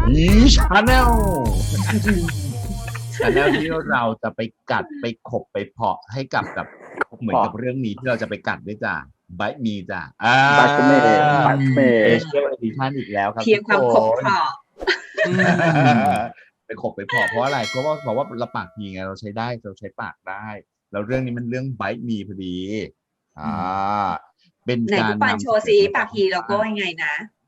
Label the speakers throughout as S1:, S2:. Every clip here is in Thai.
S1: ชาแนลชาแนลที่เราจะไปกัดไปขบไปเพาะให้กับเหมือนกับเรื่องนี้ที่เราจะไปกัดด้วยจ้ะไบท์มีจ้ะ
S2: บัตเมย์บัตเม
S1: เอ
S2: ย์
S1: เชียลเอดิชั่นอีกแล้วครับ
S3: เพียงความขบเพาะ
S1: ไปขบไปเพาะเพราะอะไรเพราะว่าบอกว่าเราปากดีไงเราใช้ได้เราใช้ปากได้แล้วเรื่องนี้มันเรื่องไบท์มีพอดีเป็น
S3: ไหน
S1: การ
S3: พี่ปานโชว์ซิปากฮีโลโก้ยังไงนะ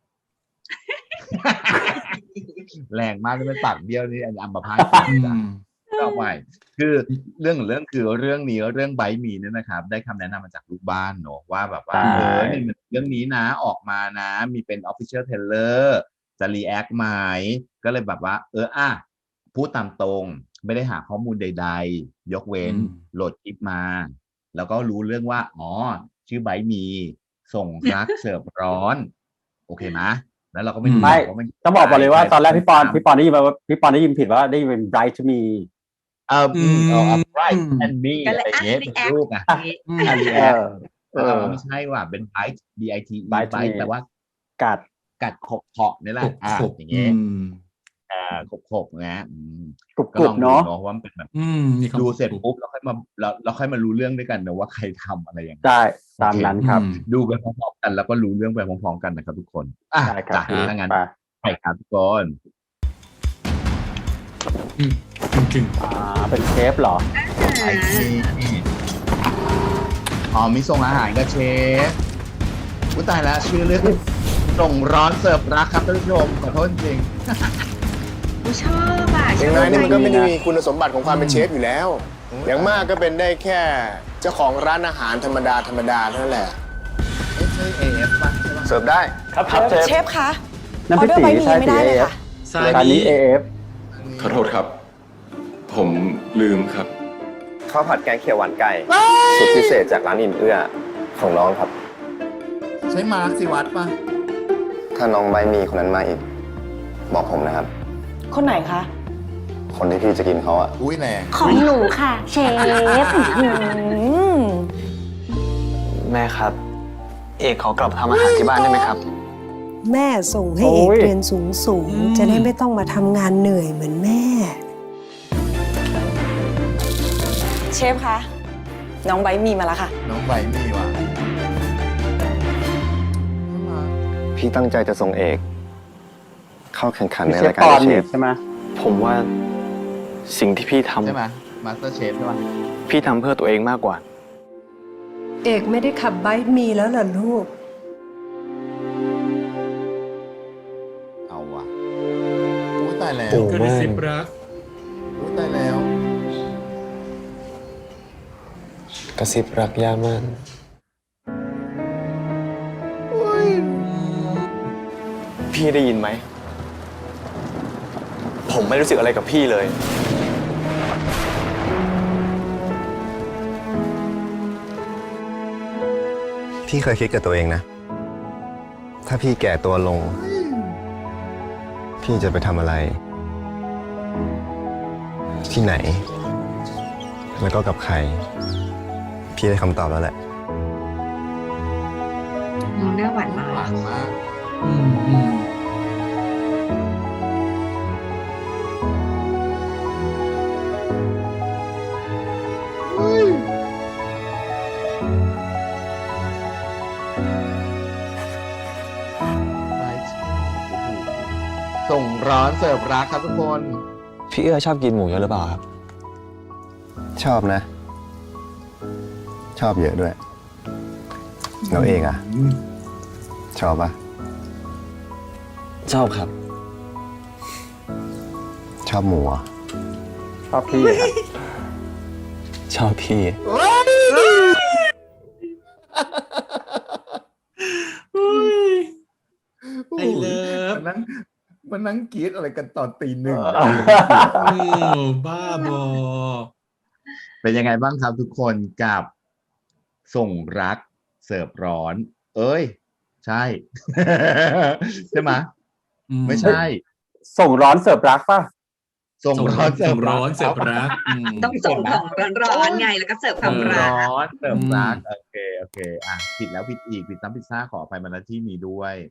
S1: แรงมากเลยเป็นปากเบี้ยวนี่อัมพาตต่อไปคือเรื่องคือเรื่องนี้เรื่องไบท์มีเนี่ยนะครับได้คำแนะนำมาจากลูกบ้านเนอะว่าแบบว่านี่เรื่องนี้นะออกมานะมีเป็น official trailer จะ react ไหมก็เลยแบบว่าพูดตามตรงไม่ได้หาข้อมูลใดๆยกเว้นโหลดคลิปมาแล้วก็รู้เรื่องว่าชื่อไบท์มีส่งรักเสิร์ฟร้อนโอเคไหมแล้วเราก็ไม่รู้ว่า
S2: ต้องบอกเลยว่าตอนแรกพี่ปอนได้ยินว่าพี่ปอนได้ยินผิดว่าได้ยินเป็น bright to me
S1: bright and me อะไรอย่างเงี้ยเป็นรูปไงไม่ใช่ว่าเป็น bright bite bright แต่ว่ากัดขบเผาะนี่แหละอย่างเงี้ยขบนะก็ลองดูเนาะว่ามันเป็นแบบดูเสร็จปุ๊บเราค่อยมารู้เรื่องด้วยกันนะว่าใครทำอะไรอย่าง
S2: ได้ตามนั้นครับ
S1: ดูไปพร้อมๆกันแล้วก็รู้เรื่องไปพร้อมๆกันนะครับทุกคนจากถ้างั้นไปครับทุกคน
S2: เป็นเชฟเหรอ
S1: มีส่งอาหารกับเชฟตายแล้วชื่อเรื่องส่งร้อนเสิร์ฟรักครับท่านผู้ชมขอโทษจริง
S3: ชอบ
S4: อย่างน้อยนี่มันก็ไม่ได้มีคุณสมบัติของความเป็นเชฟอยู่แล้วอย่างมากก็เป็นได้แค่เจ้าของร้านอาหารธรรมดาเท่านั้นแหละ
S1: ใช่ AF ป่ะใช่ป่ะ
S4: เสิร์ฟได้
S2: ครับ
S5: เชฟคะ
S2: น้ำพริกสีใช่สี AF ร้านนี้ AF
S6: ขอโทษครับผมลืมครับ
S7: ข้าวผัดแกงเขียวหวานไก่สุดพิเศษจากร้านอิ่มเอื้อของน้องครับ
S1: ใช่มาร์คสิวัตรป่ะ
S7: ถ้าน้องใบมีคนนั้นมาอีกบอกผมนะครับ
S5: คนไหนคะ
S7: คนที่พี่จะกินเขา
S1: อุ้ยแรง
S5: ของหนูค่ะเชฟ
S7: แม่ครับเอกขอกลับทำอาหารที่บ้านได้ไหมครับ
S8: แม่ส่งให้เอกเรียนสูงจะได้ไม่ต้องมาทำงานเหนื่อยเหมือนแม่
S5: เชฟคะน้องไบมีมาแล้วค่ะ
S1: น้องไบมีว่ะ
S7: พี่ตั้งใจจะส่งเอกเข้าแข่งขันในรายการเชฟ
S2: ใช่ไหม
S7: ผมว่าสิ่งที่พี่ทำ
S1: ใช่ไหมมาสเตอร์เชฟใช่ไหม
S7: พี่ทำเพื่อตัวเองมากกว่า
S8: เอกไม่ได้ขับไบค์มีแล้วเหรอลูก
S1: เอาว่ะตายแล้ว
S9: กระซิบรัก
S1: ตายแล้ว
S7: กระซิบรักยามันพี่ได้ยินไหมผมไม่รู้สึกอะไรกับพี่เลยพี่เคยคิดกับตัวเองนะถ้าพี่แก่ตัวลงพี่จะไปทำอะไรที่ไหนแล้วก็กับใครพี่ได้คำตอบแล้วแหละ
S3: น้องน่าหวานมาก
S1: ส่งร้อนเสิร์ฟรักครับทุกคน
S7: พี่เอื้อชอบกินหมูเยอะหรือเปล่าครับชอบนะชอบเยอะด้วยเราเองชอบปะชอบครับชอบหมู
S2: ชอบพี่
S7: ชอบพี่
S9: ไอเลิฟ
S1: มันนั่งกรี๊ดอะไรกันตอนตีหนึ่ง
S9: บ้าบอ
S1: เป็นยังไงบ้างครับทุกคนกับส่งรักเสิร์ฟร้อนใช่ ใช่ไหมไม่ใช่
S2: ส่งร้อนเสิร์ฟรักป่ะ
S1: ส่งร้อนเสิร์ฟรัก
S3: ต้องส่งของร้อนไงแล้วก็เสิร์ฟความรัก
S1: ร้อนเสิร์ฟรักโอเคผิดแล้วผิดอีกผิดซ้ำผิดซ่าขออภัยมาณที่นี้ด้วย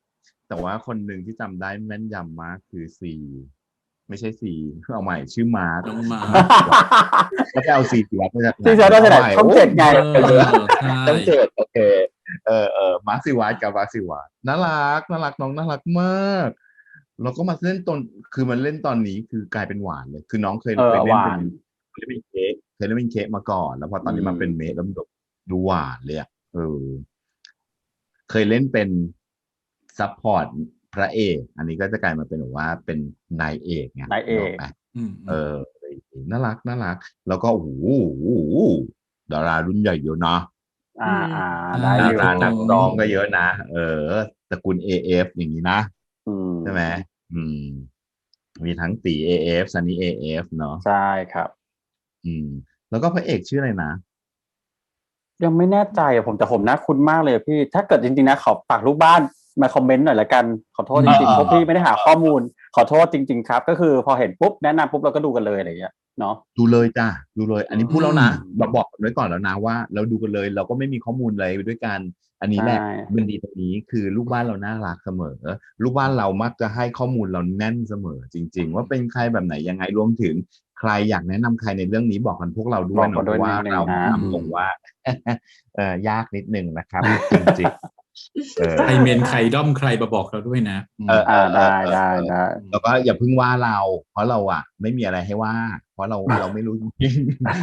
S1: แต่ว่าคนหนึ่งที่จำได้แม่นยำมากคือซีไม่ใช่ซีเอาใหม่ชื่อมาร์ค
S9: น้องมา
S1: แล้วจะเอาซีสิวัตรมาจากไหน
S2: ซีเซอร์ได้ไหนช่องเจ็ดไง
S9: ใช่
S1: ต้องเจ็ดโอเคมาร์คซิวัตกับมาร์คซิวัตน่ารักน้องน่ารักมากแล้วก็มาเล่นตอนคือมันเล่นตอนนี้คือกลายเป็นหวานเลยคือน้องเคยเล่น
S2: ห
S1: เป็
S2: วาน
S1: เค้กเคยเล่นเป็นเค้กมาก่อน แล้วพอตอนนี้มาเป็นเมดแล้วมันดูหวานเลยอ่ะเคยเล่นเป็นซัพพอร์ตพระเอกอันนี้ก็จะกลายมาเป็นแบบว่าเป็นนายเอกไง
S2: นายเอก
S1: นึกกไหม
S9: อืม
S1: น่ารักแล้วก็โอ้โหดารารุ่นใหญ่เยอะนะ
S2: ได้
S1: ดา
S2: อยู่
S1: รานักร้องก็เยอะนะตระกูล AF อย่างนี้นะ ใช่ไหมมีทั้งตี AF ซันนี่ AF เนาะ
S2: ใช่ครับ
S1: แล้วก็พระเอกชื่ออะไรนะ
S2: ยังไม่แน่ใจอะแต่ผมน่าคุ้นมากเลยพี่ ถ้าเกิดจริงๆนะขอฝากลูกบ้านมาคอมเมนต์หน่อยละกันขอโทษจริงๆเพราะพี่ไม่ได้หาข้อมูลขอโทษจริงๆครับก็คือพอเห็นปุ๊บแนะนำปุ๊บเราก็ดูกันเลยอะไรอย่างเงี้ยเนาะ
S1: ดูเลยจ้ะดูเลย อันนี้พูดแล้วนะบอกไว้ก่อนแล้วนะว่าเราดูกันเลยเราก็ไม่มีข้อมูลอะไรไปด้วยกันอันนี้แหละมันดีตรงนี้คือลูกบ้านเราน่ารักเสมอลูกบ้านเรามักจะให้ข้อมูลเราแน่นเสมอจริงๆว่าเป็นใครแบบไหนยังไงรวมถึงใครอยากแนะนำใครในเรื่องนี้บอกกันพวกเราด้วยนะเพราะว่าเราทำตรงว่ายากนิดนึงนะครับจริงๆ
S9: ใครเมนใครด้อมใครมาบอกเราด้วยนะ
S2: ได้
S1: แล้วก็อย่าเพิ่งว่าเราเพราะเราไม่มีอะไรให้ว่าเพราะเราไม่รู้จริง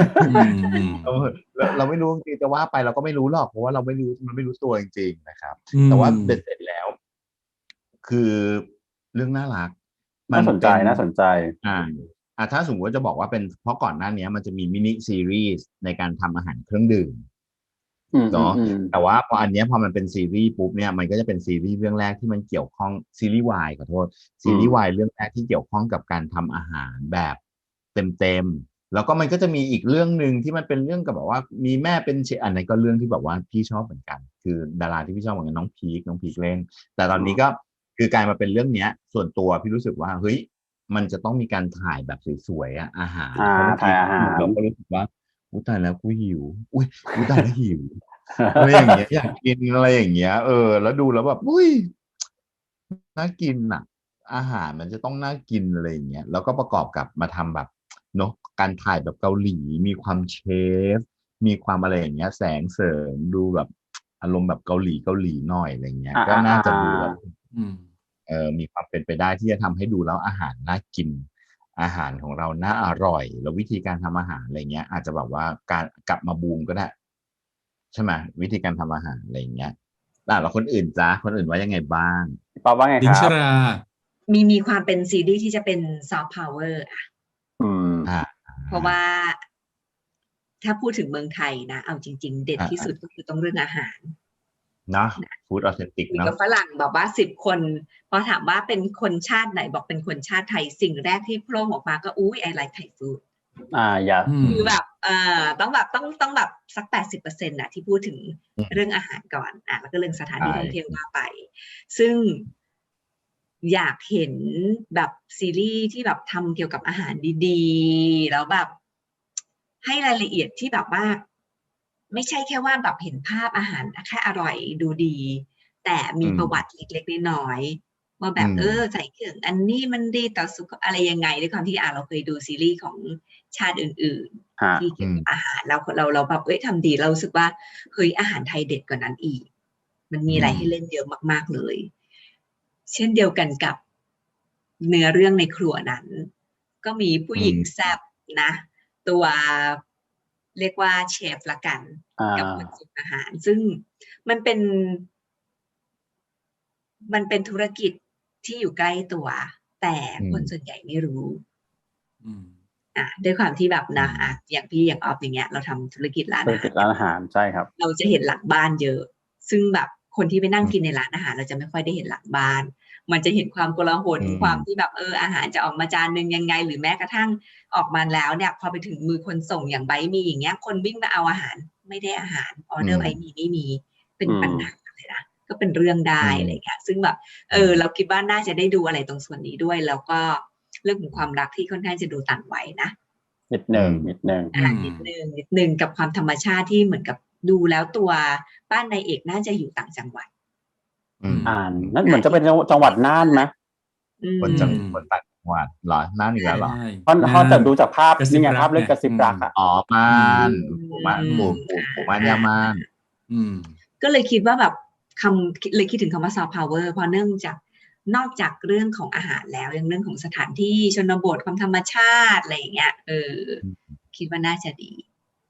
S1: เราไม่รู้จริงจะว่าไปเราก็ไม่รู้หรอกเพราะว่าเราไม่รู้มันไม่รู้ตัวจริงๆนะครับแต่ว่าเสร็จแล้วคือเรื่องน่ารัก
S2: น่าสนใจ
S1: ถ้าสมมติว่าจะบอกว่าเป็นเพราะก่อนหน้านี้มันจะมีมินิซีรีส์ในการทำอาหารเครื่องดื่มเนาะแต่ว่าพออันนี้พอมันเป็นซีรีส์ปุ๊บเนี่ยมันก็จะเป็นซีรีส์เรื่องแรกที่มันเกี่ยวข้องซีรีส์วายขอโทษซีรีส์วายเรื่องแรกที่เกี่ยวข้องกับการทำอาหารแบบเต็มแล้วก็มันก็จะมีอีกเรื่องหนึ่งที่มันเป็นเรื่องกับแบบว่ามีแม่เป็นเชฟอันนั้นก็เรื่องที่แบบว่าพี่ชอบเหมือนกันคือดาราที่พี่ชอบเหมือนกันน้องพีคเล่นแต่ตอนนี้ก็คือกลายมาเป็นเรื่องเนี้ยส่วนตัวพี่รู้สึกว่าเฮ้ยมันจะต้องมีการถ่ายแบบสวยๆอาหาร
S2: ถ่ายอาหาร
S1: เราก็รู้สึกว่าอุ้ยตายแล้วกูหิวอุ้ยตายแล้วหิวอะไรอย่างเงี้ยอยากกินอะไรอย่างเงี้ยแล้วดูแล้วแบบอุ้ยน่ากินอาหารมันจะต้องน่ากินอะไรอย่างเงี้ยแล้วก็ประกอบกับมาทำแบบเนาะการถ่ายแบบเกาหลีมีความเชฟมีความอะไรอย่างเงี้ยแสงเสริมดูแบบอารมณ์แบบเกาหลีหน่อยอะไรเงี้ยก็น่าจะดูแบบมีความเป็นไปได้ที่จะทำให้ดูแล้วอาหารน่ากินอาหารของเราน่าอร่อยแล้ววิธีการทำอาหารอะไรเงี้ยอาจจะแบบว่าการกลับมาบูมก็ได้ใช่ไหมวิธีการทำอาหารอะไรเงี้ยแล้วคนอื่นคนอื่นว่ายังไงบ้าง
S2: ป๊อบว่าไงครับ
S9: ดิชรา
S3: มีความเป็นซีรีส์ที่จะเป็นซอฟต์พาวเวอร์เพราะว่าถ้าพูดถึงเมืองไทยนะเอาจริงๆเด็ดที่สุดก็คือต้องเรื่องอาหาร
S1: นะฟู้ดออเทนติกเนาะ
S3: กับฝรั่งบอกว่า10 คนพอถามว่าเป็นคนชาติไหนบอกเป็นคนชาติไทยสิ่งแรกที่โผล่ออกมาก็ไอไลค์ไทยฟู้ดคือแบบต้องแบบสัก 80% นะที่พูดถึงเรื่องอาหารก่อนแล้วก็เรื่องสถานที่ท่องเที่ยวมาไปซึ่งอยากเห็นแบบซีรีส์ที่แบบทำเกี่ยวกับอาหารดีๆแล้วแบบให้รายละเอียดที่แบบว่าไม่ใช่แค่ว่าแบบเห็นภาพอาหารแค่อร่อยดูดีแต่มีประวัติเล็กๆน้อยๆว่าแบบใส่เครื่องอันนี้มันดีต่อสุขอะไรยังไงด้วยความที่เราเคยดูซีรีส์ของชาติอื่นๆที่เกี่ยวกับอาหารเราแบบทำดีเรารู้สึกว่าเฮ้ยอาหารไทยเด็ดกว่านั้นอีกมันมีอะไรให้เล่นเยอะมากๆเลยเช่นเดียวกันกับเนื้อเรื่องในครัวนั้นก็มีผู้หญิงแซ่บนะตัวเรียกว่าเชฟละกันกับคนส่งอาหารซึ่งมันเป็นธุรกิจที่อยู่ใกล้ตัวแต่คนส่วนใหญ่ไม่รู้ด้วยความที่แบบนะอย่างพี่อย่างออฟอย่างเงี้ยเราทำธุรกิจร้าน
S2: อาหารใช่ครับ
S3: เราจะเห็นหลังบ้านเยอะซึ่งแบบคนที่ไปนั่งกินในร้านอาหารเราจะไม่ค่อยได้เห็นหลังบ้านมันจะเห็นความโกลาหลความที่แบบอาหารจะออกมาจานนึงยังไงหรือแม้กระทั่งออกมาแล้วเนี่ยพอไปถึงมือคนส่งอย่างไบมีอย่างเงี้ยคนวิ่งมาเอาอาหารไม่ได้อาหารออเดอร์ไบมีไม่มีเป็นปัญหาเลยนะก็เป็นเรื่องได้อะไรเงี้ยซึ่งแบบเราคิดว่าน่าจะได้ดูอะไรตรงส่วนนี้ด้วยแล้วก็เรื่องของความรักที่ค่อนข้างจะดูต่างวัยนะ
S2: นิดนึง
S3: กับความธรรมชาติที่เหมือนกับดูแล้วตัวบ้านนายเอกน่าจะอยู่ต่างจังหวัด
S2: นั่นเหมือนจะเป็นจังหวัดน่านไหม
S1: คนต่างจังหวัดเหรอน่านอีกแล้วเหรอ
S2: เพราะจะดูจากภาพนี่ไงภาพเรื่องกระซิบรักอ่ะ
S1: ม่านปู่ม่านย่าม่าน
S3: ก็เลยคิดว่าแบบเลยคิดถึงคำว่าซอฟต์พาวเวอร์เพราะเนื่องจากนอกจากเรื่องของอาหารแล้วยังเรื่องของสถานที่ชนบทความธรรมชาติอะไรอย่างเงี้ยคิดว่าน่าจะดี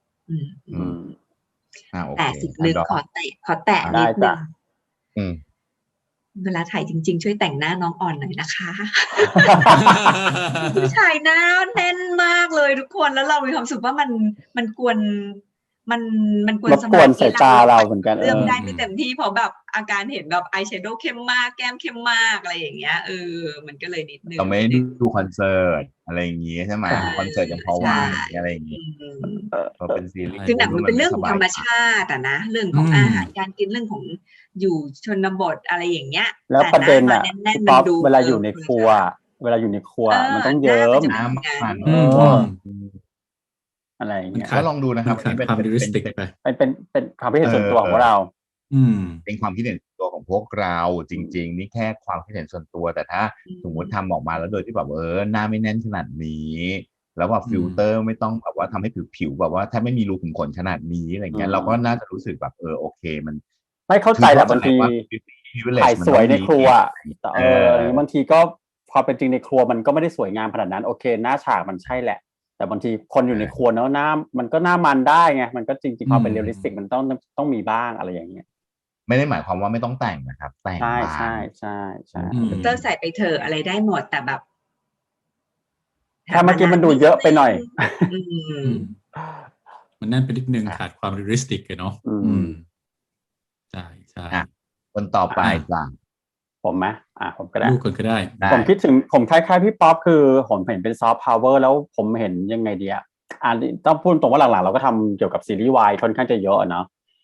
S3: แต่สิ่งหนึ่งขอแตะนิดนึงเวลาถ่ายจริงๆช่วยแต่งหน้าน้องอ่อนหน่อยนะคะผู้ชายหน้าแน่นมากเลยทุกคนแล้วเรามีความรู้สึกว่ามันกวนมันกวนสมาธิ
S2: สายตาเราเหมือนกัน
S3: เลือกได้ไม่เต็มที่เพราะแบบอาการเห็นแบบอายแชโดว์เข้มมากแก้มเข้มมากอะไรอย่างเงี้ยมันก็เลยนิดนึง
S1: เราไม่ดูคอนเสิร์ตอะไรอย่างงี้ใช่ไหมคอนเสิร์ตยังพอว่าอะไรอย่างงี้พอเป็นซีรีส์
S3: คือหนังมันเป็นเรื่องของธรรมชาติอะนะเรื่องของอาหารการกินเรื่องของอยู่ชนบทอะไรอย่างเงี้ย
S2: แล้วประเด็นอะป๊อปเวลาอยู่ในครัวมันต้องเยิ้มอะไรอย่างเงี้ย
S1: ก็ลองดูนะครับ
S9: เป็นความริสติกไป
S2: เป็นความคิดเห็นส่วนตัวของเรา
S1: เป็นความคิดเห็นส่วนตัวของพวกเราจริงๆนี่แค่ความคิดเห็นส่วนตัวแต่ถ้าสมมติทำออกมาแล้วโดยที่แบบหน้าไม่แน่นขนาดนี้แล้วแบบฟิลเตอร์ไม่ต้องแบบว่าทำให้ผิวแบบว่าถ้าไม่มีรูขุมขนขนาดนี้อะไรเงี้ยเราก็น่าจะรู้สึกแบบโอเคมัน
S2: ไม่เข้าใจแหละบางทีถ่ายสวยในครัวแต่บางทีก็พอเป็นจริงในครัวมันก็ไม่ได้สวยงามขนาดนั้นโอเคหน้าฉากมันใช่แหละแต่บางทีคนอยู่ในครัวเนาะหน้ามันก็หน้ามันได้ไงมันก็จริงๆพอเป็นเรียลลิสติกมันต้องมีบ้างอะไรอย่างเงี้ย
S1: ไม่ได้หมายความว่าไม่ต้องแต่งนะครับแต่ง
S2: ใช่
S3: เตอร์ใส่ไปเถอะอะไรได้หมดแต่แบบ
S2: ถ้าเมื่อกี้มันดูเยอะไปหน่อย
S9: มันนั่นเป็นนิดนึงขาดความเรียลลิสติกเนาะใช่
S1: คนต่อไปจ้ะ
S2: ผมไหมผมก็ได้
S9: ลูกคนก็ได้
S2: ผมคิดถึงผมคล้ายๆพี่ป๊อปคือผมเห็นเป็นซอฟต์พาวเวอร์แล้วผมเห็นยังไงดีต้องพูดตรงว่าหลังๆเราก็ทำเกี่ยวกับซีรีส์วายค่อนข้างจะเยอะเนาะ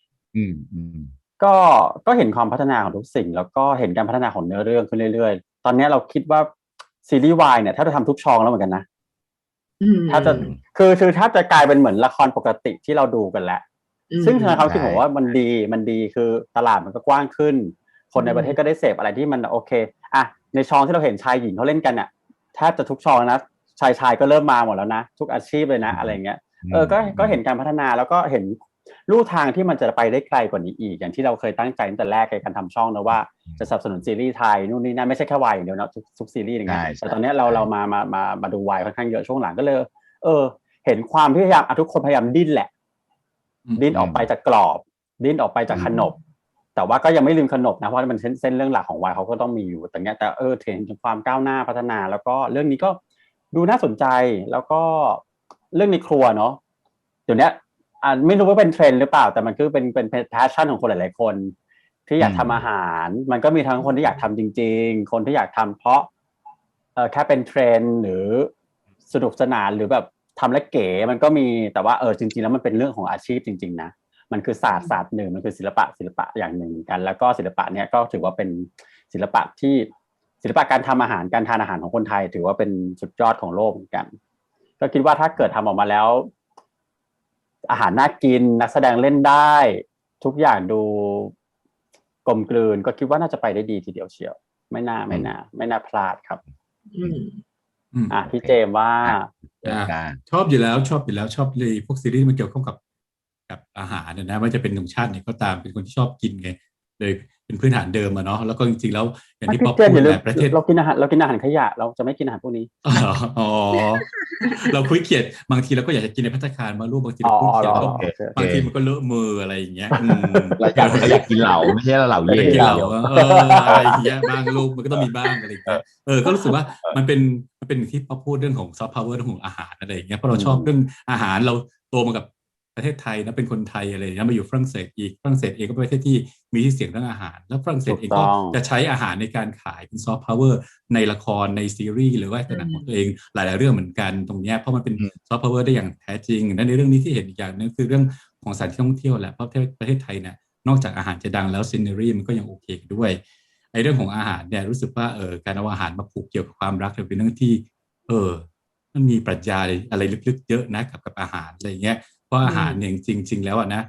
S2: ก็เห็นความพัฒนาของทุกสิ่งแล้วก็เห็นการพัฒนาของเนื้อเรื่องขึ้นเรื่อยๆตอนนี้เราคิดว่าซีรีส์วายเนี่ยถ้าจะทำทุกช่องแล้วเหมือนกันนะถ้าจะคือถ้าจะกลายเป็นเหมือนละครปกติที่เราดูกันแล้วซึ่งในความคิดผมว่ามันดีคือตลาดมันก็กว้างขึ้นคนในประเทศก็ได้เสพอะไรที่มันโอเคในช่องที่เราเห็นชายหญิงเขาเล่นกันเนี่ยแทบจะทุกช่องนะชายก็เริ่มมาหมดแล้วนะทุกอาชีพเลยนะอะไรเงี้ยก็เห็นการพัฒนาแล้วก็เห็นลู่ทางที่มันจะไปได้ไกลกว่านี้อีกอย่างที่เราเคยตั้งใจตั้งแต่แรกในการทำช่องนะว่าจะสนับสนุนซีรีส์ไทยนู่นนี่นั่นไม่ใช่แค่วายอย่างเดียวนะทุกซีรีส์อย่างเงี้ยแต่ตอนนี้เรามาดูวายค่อนข้างเยอะช่วงหลังก็เลยเห็นความพยายามทุกคนพยายามดิ้นแหละดิ้นออกไปจากกรอบดิ้นออกไปจากขนบแต่ว่าก็ยังไม่ลืมขนบนะเพราะมันเส้นเรื่องหลักของวายเขาก็ต้องมีอยู่แต่เนี้ยแต่เห็นถึงความก้าวหน้าพัฒนาแล้วก็เรื่องนี้ก็ดูน่าสนใจแล้วก็เรื่องในครัวเนาะเดี๋ยวนี้ไม่รู้ว่าเป็นเทรนด์หรือเปล่าแต่มันคือเป็นแพชชั่นของคนหลายๆคนที่อยากทำอาหารมันก็มีทั้งคนที่อยากทำจริงๆคนที่อยากทำเพราะแค่เป็นเทรนด์หรือสนุกสนานหรือแบบทำแล้วเก๋มันก็มีแต่ว่าจริงๆแล้วมันเป็นเรื่องของอาชีพจริงๆนะมันคือศาสตร์หนึ่งมันคือศิลปะอย่างหนึ่งกันแล้วก็ศิลปะเนี้ยก็ถือว่าเป็นศิลปะการทำอาหารการทานอาหารของคนไทยถือว่าเป็นสุดยอดของโลกเหมือนกันก็คิดว่าถ้าเกิดทำออกมาแล้วอาหารน่ากินนักแสดงเล่นได้ทุกอย่างดูกลมกลืนก็คิดว่าน่าจะไปได้ดีทีเดียวเชียวไม่น่าพลาดครับพี่เจมว่า
S9: ชอบอยู่แล้วชอบเลยพวกซีรีส์มันเกี่ยวข้องกับอาหารนะว่าจะเป็นหนุ่มชาติไหนก็ตามเป็นคนที่ชอบกินไงเลยเป็นพื้นฐานเดิมเนาะแล้วก็จริงๆแล้วอย่างที่ป๊อปพูดแบบประเทศ
S2: เรากินอาหารขยะเราจะไม่กินอาหารพวกนี้
S9: เราคุยเขียดบางทีเราก็อยากจะกินในภัตตาคารมาลูกบางทีเราคุยเขียดก็บางทีมันก็เลอะมืออะไรอย่างเงี้ย
S1: เราอยากกินเหล่าไม่ใช่เหล่าเย่
S9: กินเหล่าอะไรอย่างเงี้ยบ้างลูกมันก็ต้องมีบ้างอะไรอย่างเงี้ยก็รู้สึกว่ามันเป็นที่ป๊อปพูดเรื่องของซอฟต์พาวเวอร์เรื่องของอาหารอะไรอย่างเงี้ยเพราะเราชอบเรื่องอาหารเราโตมากับประเทศไทยนะเป็นคนไทยอะไรนะมาอยู่ฝรั่งเศสอีกฝรั่งเศสเองก็เป็นประเทศที่มีชื่อเสียงเรื่องอาหารแล้วฝรั่งเศสเองก็จะใช้อาหารในการขายเป็นซอฟต์พาวเวอร์ในละครในซีรีส์หรือว่าหนังของตัวเองหลายๆเรื่องเหมือนกันตรงนี้เพราะมันเป็นซอฟต์พาวเวอร์ได้อย่างแท้จริงและในเรื่องนี้ที่เห็นอีกอย่างนึงคือเรื่องของสถานที่ท่องเที่ยวแหละเพราะประเทศไทยเนี่ยนอกจากอาหารจะดังแล้วซีเนอรี่มันก็ยังโอเคด้วยไอ้เรื่องของอาหารเนี่ยรู้สึกว่าการเอาอาหารมาผูกเกี่ยวกับความรักเป็นเรื่องที่มันมีปรัชญาอะไรลึกๆเยอะนะกับอาหารอะไรเงี้ยเพราะอาหารเนี่ยจริงๆแล้วนะค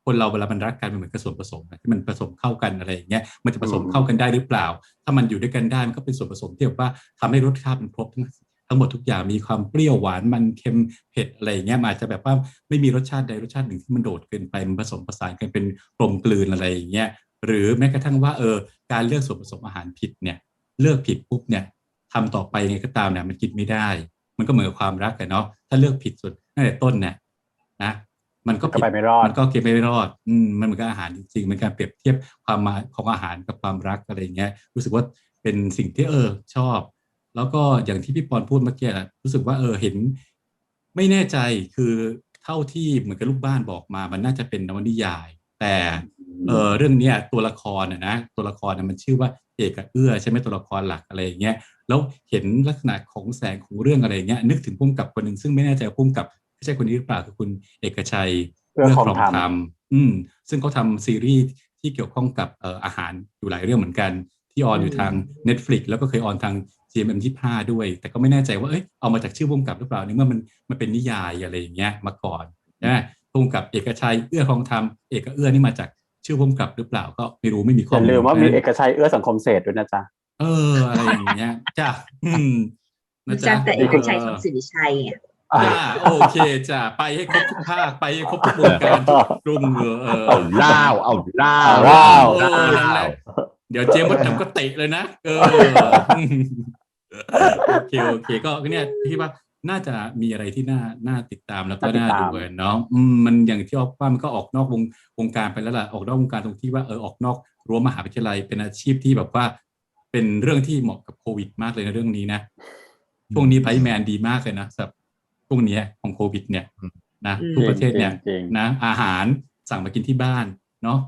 S9: คนเราเวลามันรักกันมันเหมือนกับส่วนผสมที่มันผสมเข้ากันอะไรอย่างเงี้ยมันจะผสมเข้ากันได้หรือเปล่าถ้ามันอยู่ด้วยกันได้มันก็เป็นส่วนผสมที่แบบว่าทำให้รสชาติมันครบทั้งหมดทุกอย่างมีความเปรี้ยวหวานมันเค็มเผ็ดอะไรอย่างเงี้ยอาจจะแบบว่าไม่มีรสชาติใดรสชาติหนึ่งที่มันโดดเกินไปมันผสมผสานกันเป็นกลมกลืนอะไรอย่างเงี้ยหรือแม้กระทั่งว่าการเลือกส่วนผสมอาหารผิดเนี่ยเลือกผิดปุ๊บเนี่ยทำต่อไปไงก็ตามเนี่ยมันกินไม่ได้มันก็เหมือนกับความรักกันเนาะถ้าเลือกผิดสุดตั้งแต่ต้นเนี่ยนะมันก็ไปไม่รอดมันก็เก็บไม่รอดมันเหมือนกับอาหารจริงๆมันการเปรียบเทียบความหมายของอาหารกับความรักอะไรอย่างเงี้ยรู้สึกว่าเป็นสิ่งที่ชอบแล้วก็อย่างที่พี่ปอนพูดเมื่อกี้รู้สึกว่าเห็นไม่แน่ใจคือเท่าที่เหมือนกับลูกบ้านบอกมามันน่าจะเป็นนวนิยายแต่เรื่องนี้ตัวละครนะตัวละครมันชื่อว่าเอกกับเอื้อใช่ไหมตัวละครหลักอะไรอย่างเงี้ยแล้วเห็นลักษณะของแสงของเรื่องอะไรเงี้ยนึกถึงผู้กำกับคนหนึ่งซึ่งไม่แน่ใจว่าผู้กำกับไม่ใช่คนนี้หรือเปล่าคือคุณเอกชัยเอื้อครองธรรมซึ่งเขาทำซีรีส์ที่เกี่ยวข้องกับอาหารอยู่หลายเรื่องเหมือนกันที่ออนอยู่ทาง Netflix แล้วก็เคยออนทาง GMM25 ด้วยแต่ก็ไม่แน่ใจว่าเอามาจากชื่อผู้กำกับหรือเปล่านี่เมื่อมันเป็นนิยายอะไรอย่างเงี้ยมาก่อนนะผู้กำกับเอกชัยเอื้อครองธรรมเอกกับเอื้อนี่มาจากชื่อผู้กำกับหรือเปล่าก็ไม่รู้ไม่มีข้อมูล
S2: อย่าลืมว่ามีเอกชัยเอื้อสังคมเศรษฐ์ด้วยนะจ๊ะ
S9: อะไรอย่างเงี้ยจ้ะ
S3: นะจ๊ะแต่เอกชัยทองสิริชัย
S9: จ้าโอเคจ้าไปให้ครบทุกภาคไปให้ครบทุกวงการทุกรุ่ง
S1: เอาล่าว
S9: เดี๋ยวเจมส์วัดดำก็เตะเลยนะโอเคก็เนี่ยพี่ว่าน่าจะมีอะไรที่น่าติดตามแล้วก็น่าดูเนาะมันอย่างที่ว่ามันก็ออกนอกวงการไปแล้วล่ะออกนอกวงการตรงที่ว่าออกนอกรั้วมหาวิทยาลัยเป็นอาชีพที่แบบว่าเป็นเรื่องที่เหมาะกับโควิดมากเลยในเรื่องนี้นะช่วงนี้ไพแมนดีมากเลยนะสำหรับพวกนี้ของโควิดเนี่ยนะทุกประเทศเนี่ยนะอาหารสั่งมากินที่บ้านเนาะ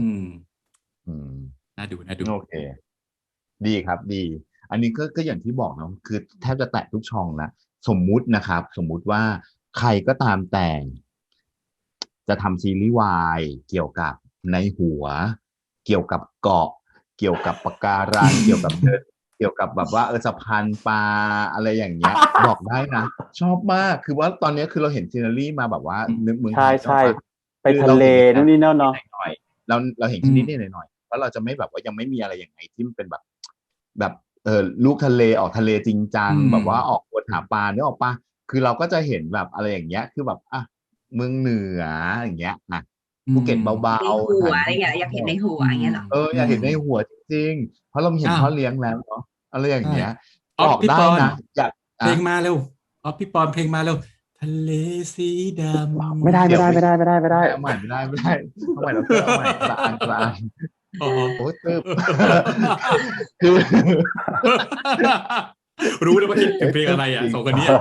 S9: น่าดู
S1: โอเคดีครับดีอันนี้ก็อย่างที่บอกนะคือแทบจะแตะทุกช่องนะสมมุตินะครับสมมุติว่าใครก็ตามแต่งจะทำซีรีส์วายเกี่ยวกับในหัวเกี่ยวกับเกาะเกี่ยวกับปะการังเกี่ยวกับเกี่ยวกับแบบว่าสะพานปลาอะไรอย่างเงี้ยบอกได้นะชอบมากคือว่าตอนนี้คือเราเห็นซีนารีมาแบบว่านึกเมือง
S2: ใช่ไปทะเลนู่นนี่นั่นเนาะ
S1: เราเห็นนิดหน่อยเพราะเราจะไม่แบบว่ายังไม่มีอะไรอย่างไรที่มันเป็นแบบลูกทะเลออกทะเลจริงจังแบบว่าออกวนหาปลาเนี่ยออกปะคือเราก็จะเห็นแบบอะไรอย่างเงี้ยคือแบบเมืองเหนืออย่างเงี้ยภูเก็ตเบา
S3: ๆในหัวอะไรอย่างเงี้ยอยากเห็นในหัวอย่างเงี้ยหรอ
S1: อยากเห็นในหัวจริงๆเพราะเราเห็นพ่อเลี้ยงแล้วเนาะอะไรอย่างเงี้ยบอกได้นะอยาก
S9: เพลงมาเร็วพี่ปอนเพลงมาเร็วทะเลสีดำ
S2: ไม่ได้
S1: เอาใหม่เอาใหม่เราเอาใหม่กลางโอ้ตึ๊บคือ
S9: รู้เลยว่าคิดถึงเพลงอะไรสองคนนี้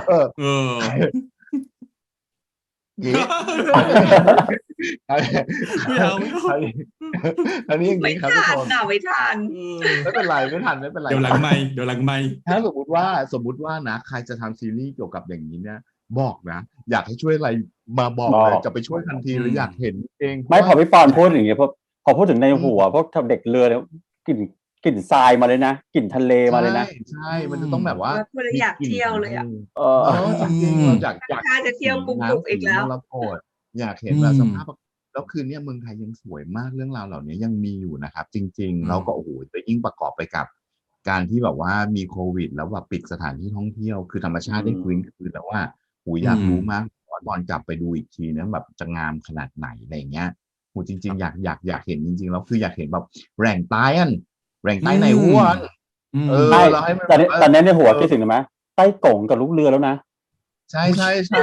S1: ไม่เอาอันนี้อย่างนี้ครับทุกคน
S3: ไม่ทัน
S1: ไม่เป็นไรไม่ทัน
S9: เดี๋ยวหลังไม่
S1: ถ้าสมมติว่านะใครจะทำซีรีส์เกี่ยวกับอย่างนี้เนี่ยบอกนะอยากให้ช่วยอะไรมาบอกเลยจะไปช่วยทันทีหรืออยากเห็นเอง
S2: ไม่พอพี่ปอนพูดอย่างเงี้ยพอพูดถึงในหัวพวกทำเด็กเรือแล้วกลิ่นทรายมาเลยนะกลิ่นทะเลมาเลยนะ
S1: ใช่มันจะต้องแบบว่า
S3: อยากเที่ยวเลย
S1: จริงๆเราอยาก
S3: จะเที่ยวปุ๊บอีกแล้ว
S1: เราโกรธอยากเห็นแบบสภาพแล้วคืนนี้เมืองไทยยังสวยมากเรื่องราวเหล่านี้ยังมีอยู่นะครับจริงๆแล้วก็โอ้โหจะยิ่งประกอบไปกับการที่แบบว่ามีโควิดแล้วแบบปิดสถานที่ท่องเที่ยวคือธรรมชาติได้ฟื้นคืนแล้วว่าอยากรู้มากตอนกลับไปดูอีกทีนะแบบจะงามขนาดไหนอะไรเงี้ยจริงๆอยากเห็นจริงๆแล้วคืออยากเห็นแบบแหล่งใต้ในหัว
S2: เราให้ตอนนี้ในหัวคิดถึงไหมใต้กงกับลูกเรือแล้วนะ
S1: ใช่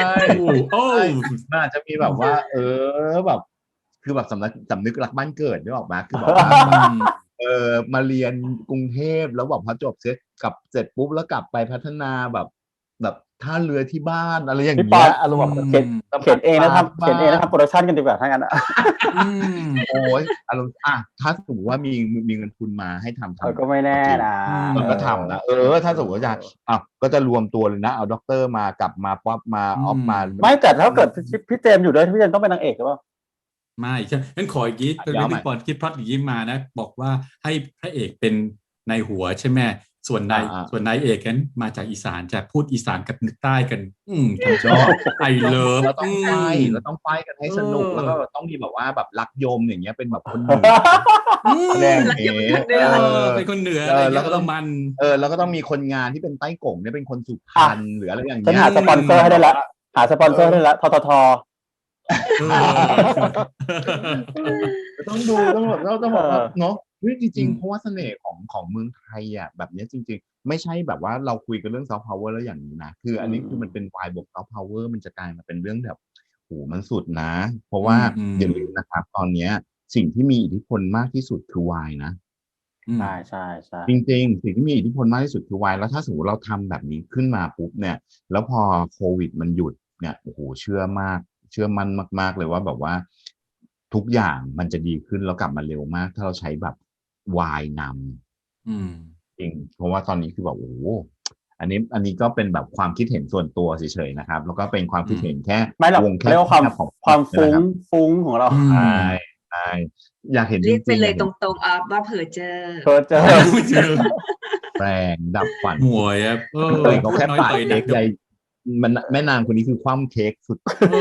S1: น่าจะมีแบบว่าแบบคือแบบสำนึกรักบ้านเกิดได้ออกมาคือแบบว่ามาเรียนกรุงเทพแล้วแบบพอจบเสร็จปุ๊บแล้วกลับไปพัฒนาแบบท่าเรือที่บ้านอะไรอย่างเงี้ย
S2: อารมณ์แบบเขียนเองนะครับโปรดักชั่นกันดีกว่าทั้งนั้น
S1: โอ้ยอารมณ์ถ้าสมมติว่ามีเงินทุนมาให้ทำ
S2: ก็ไม่แน่นะ
S1: มันก็ทำนะถ้าสมมติว่าจะก็จะรวมตัวเลยนะเอาด็อกเตอร์มากลับมาป๊อปมาออฟมา
S2: ไม่แต่ถ้าเกิดพี่เจมอยู่ด้วยพี่เจมต้องเป็นนางเอกหรือเปล่า
S9: ไม่ใช่งั้นขออีกทีตอนนี้พี่ปอนคิดพล็อตอย่างนี้มานะบอกว่าให้พระเอกเป็นในหัวใช่ไหมส่วนนาย
S1: อ่า
S9: ส่วนนายเอกนั้นมาจากอีสานจะพูดอีสานกับใต้กันทำชอบไอเลิฟ
S1: เราต้องไฟเราต้องไฟกันให้สนุกแล้วก็ต้องมีแบบว่าแบบรักยมอย่างเงี้ยเป็นแบบคนเหนือแรง
S3: รักยม
S1: เงี้
S3: คนเหนือ
S9: เป็นคนเหนืออะไร
S1: แล้วก็ต้อง
S9: มัน
S1: แล้วก็ต้องมีคนงานที่เป็นใต้กงเนี่ยเป็นคนสุพรรณหรืออะไรอย่าง
S2: ฉัน
S1: เงี้ย
S2: หาสปอนเซอร์ให้ได้แล้วหาสปอนเซอร์ให้ได้แล้วททท
S1: ต้องดูต้องแบบเราต้องบอกว่าเนาะจริง
S9: อืม
S1: ๆเพราะว่าเสน่ห์ของเมืองไทยอ่ะแบบเนี้ยจริงๆไม่ใช่แบบว่าเราคุยกันเรื่องซอฟต์พาวเวอร์แล้วอย่างนี้นะคืออันนี้คือมันเป็นวายบวกซอฟต์พาวเวอร์มันจะกลายมาเป็นเรื่องแบบโหมันสุดนะ เพราะว่าอย่าลืมนะครับตอนเนี้ยสิ่งที่มีอิทธิพลมากที่สุดคือวายนะ
S2: ใช่ใช่ใช่
S1: จริงๆสิ่งที่มีอิทธิพลมากที่สุดคือวายแล้วถ้าสมมติเราทำแบบนี้ขึ้นมาปุ๊บเนี่ยแล้วพอโควิดมันหยุดเนี่ยโอ้โหเชื่อมั่นมากๆเลยว่าแบบว่าทุกอย่างมันจะดีขึ้นแล้วกลับมาเร็วมาก ถ้าเราใช้แบบวายนำจริงเพราะว่าตอนนี้คือแบบโอ้โหอันนี้ก็เป็นแบบความคิดเห็นส่วนตัวเฉยๆนะครับแล้วก็เป็นความคิดเห็นแค่
S2: ไม่หรอก
S1: วงแค่
S2: เรียกว่าความ
S1: ของ
S2: ความฟุ้ง
S1: นะครับ
S2: ฟุ้งของเรา
S1: ใช่อยากเห็นจ
S3: เรี
S1: ริ
S3: ย
S1: ง
S3: กไป
S1: ๆ
S3: เลยตรงๆว่าเพอเจอ
S2: เพิร์เจอ
S9: เจอ
S1: แรงดับฝัน
S9: หมวยอ่ะ
S1: เคยเขาแค่
S9: น้อย
S1: ปาด
S9: ต่อยหนั
S1: เค้
S9: ก
S1: กใหญ่มันแม่นางคนนี้คือคว่ำเค้กสุด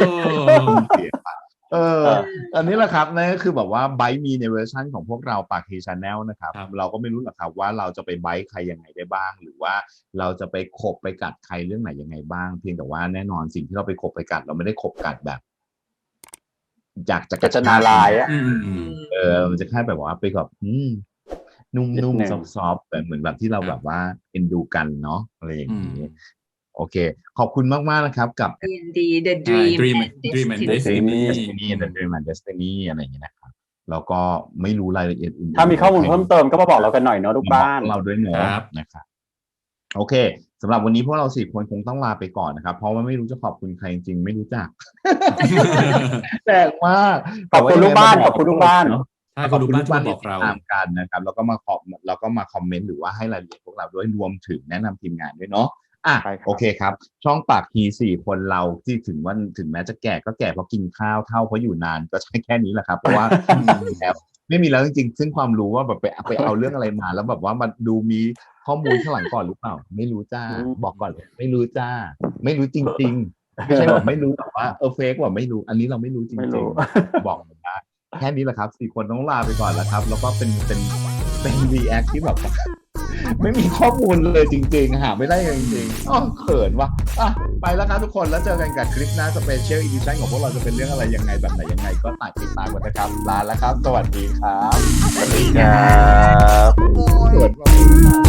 S1: อันนี้แหละครับนั่นก็คือแบบว่าไบต์มีในเวอร์ชันของพวกเราปากเฮชาแนลนะครับ
S9: ครับ
S1: เราก็ไม่รู้หรอกครับว่าเราจะไปไบต์ใครยังไงได้บ้าง หรือว่าเราจะไปขบไปกัดใครเรื่องไหนยังไงบ้าง เพียงแต่ว่าแน่นอนสิ่งที่เราไปขบไปกัดเราไม่ได้ขบกัดแบบอยากจะ
S2: กัจจนาลายอะ
S1: มันจะแค่แบบว่าไปแบบนุ่
S2: นิ
S1: ม
S2: ดนึง
S1: ๆซอฟต์ๆแบบเหมือนแบบที่เรา
S9: ครับ
S1: แบบว่าเอ็นดูกันเนาะอะไรอย่างนี้โอเค ขอบคุณมากๆนะครับกับ
S3: D&D The Dream
S9: Dream
S3: and
S9: Dream and
S3: Destiny
S9: Destiny
S1: The Dream and Destiny อะไรอย่างเงี้ยนะครับแล้วก็ไม่รู้รายละเอียดอื่นๆ
S2: ถ้ามีข้อมูลเพิ่มเติมก็มาบอกเรากันหน่อยเนาะทุกบ้าน
S1: มาบอกเราด้วยเนาะ
S9: ครับ
S1: นะครับโอเคสำหรับวันนี้พวกเราสี่คนคงต้องลาไปก่อนนะครับ เพราะว่าไม่รู้จะขอบคุณใครจริงๆไม่รู้จัก แปลกมาก
S2: ขอบคุณลูกบ้านขอบคุณลูกบ้าน
S1: เนาะ
S9: ใช่คนดูบ้านที่มาบอกเรา
S1: ตามกันนะครับแล้วก็มาคอมเมนต์หรือว่าให้รายละเอียดพวกเราด้วยรวมถึงแนะนำทีมงานด้วยเนาะ
S2: ใช่ครับ
S1: โอเคครับ ช่องปากทีสี่คนเราที่ถึงแม้จะแก่ก็แก่เพราะกินข้าวเท่าเพราะอยู่นานก็ใช่แค่นี้แหละครับเพราะว่าแล้วไม่มีแล้วจริงๆซึ่งความรู้ว่าแบบไปเอาเรื่องอะไรมา แล้วแบบว่ามันดูมีข้อมูลข้างหลังก่อนหรือเปล่าไม่รู้จ้าบอกก่อนเลยไม่รู้จ้าไม่รู้จริงๆไม่ใช่แบบไม่รู้แบบว่าเฟกว่าไม่รู้อันนี้เราไม่รู้จ
S2: ไม่
S1: ริ
S2: รู้
S1: งๆบอกได้แค่นี้แหละครับ4คนต้องลาไปก่อนแล้วครับ แล้วก็เป็นรีแอคที่แบบ ไม่มีข้อมูลเลยจริงๆหาไม่ได้เลยจริงๆเขินว่ะไปแล้วครับทุกคนแล้วเจอกันกับคลิปหน้าสเปเชียลอีดิชั่นของพวกเราจะเป็นเรื่องอะไรยังไงแบบไหนยังไงก็ติดตามกันนะครับลาแล้วครับ สวัสดีครับ
S2: สวัสดีครับ
S1: สวัสดีครับ